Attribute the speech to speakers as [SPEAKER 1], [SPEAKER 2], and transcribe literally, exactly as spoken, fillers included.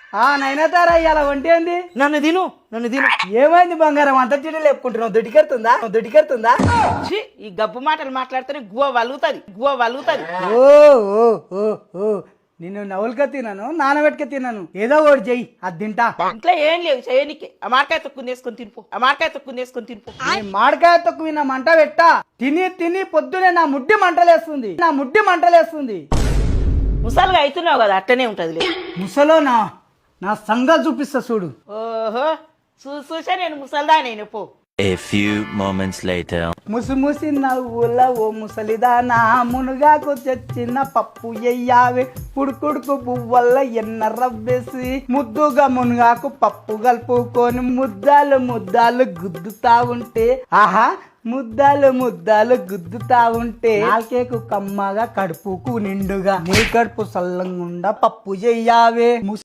[SPEAKER 1] ఆ నైనతారా ఇలా వంటి ఏంది?
[SPEAKER 2] నన్ను తిను నన్ను తిను.
[SPEAKER 1] ఏమైంది బంగారం అంత చెడు లేపుకుంటున్నావు? దొడ్డికెడుతుందా దొడ్డికెడుతుందా?
[SPEAKER 2] ఛీ, ఈ గబ్బు మాటలు మాట్లాడితేనే గువ్వ వలుగుతుంది గువ్వ వలుగుతుంది.
[SPEAKER 1] ఓ ఓ ఓ ఓ నిన్ను నవ్వులుగా తిన్నాను, నానబెట్టుక తిన్నాను. ఏదో ఒకటి చెయ్యి, అది తింటా.
[SPEAKER 2] ఇంట్లో ఏం లేవు చేయనికి. ఆ మామిడికాయ తొక్కుని వేసుకొని తినిపో. ఆ మామిడికాయ తొక్కుని వేసుకొని తినిపో.
[SPEAKER 1] నీ మామిడికాయ తొక్కు నా మంట పెట్టా. తిని తిని పొద్దునే నా ముడ్డి మంటలేస్తుంది, నా ముడ్డి మంటలేస్తుంది.
[SPEAKER 2] ముసలిగా అవుతున్నావు కదా, అట్టనే ఉంటది.
[SPEAKER 1] ముసలో నా నా సంగ చూపిస్తా చూడు.
[SPEAKER 2] ఓహో చూ చూసా నేను ముసలిదా నేను పో.
[SPEAKER 3] A few moments later.
[SPEAKER 1] ముసి ముసి నవ్వుల ఓ ముసలిదానా, మునుగాకు తెచ్చిన పప్పు ఎయ్యావే, పుడుకుడుకు పువ్వల్ల ఎన్న రవ్వేసి, ముద్దుగా మునుగాకు పప్పు కలుపుకొని ముద్దాలు ముద్దాలు గుద్దుతా ఉంటే, ఆహా ముద్దాలు ముద్దాలు గుద్దుతా ఉంటే నాకేకు కమ్మగా కడుపుకు నిండుగా, నీ కడుపు సల్లంగుండా పప్పు చెయ్యావే.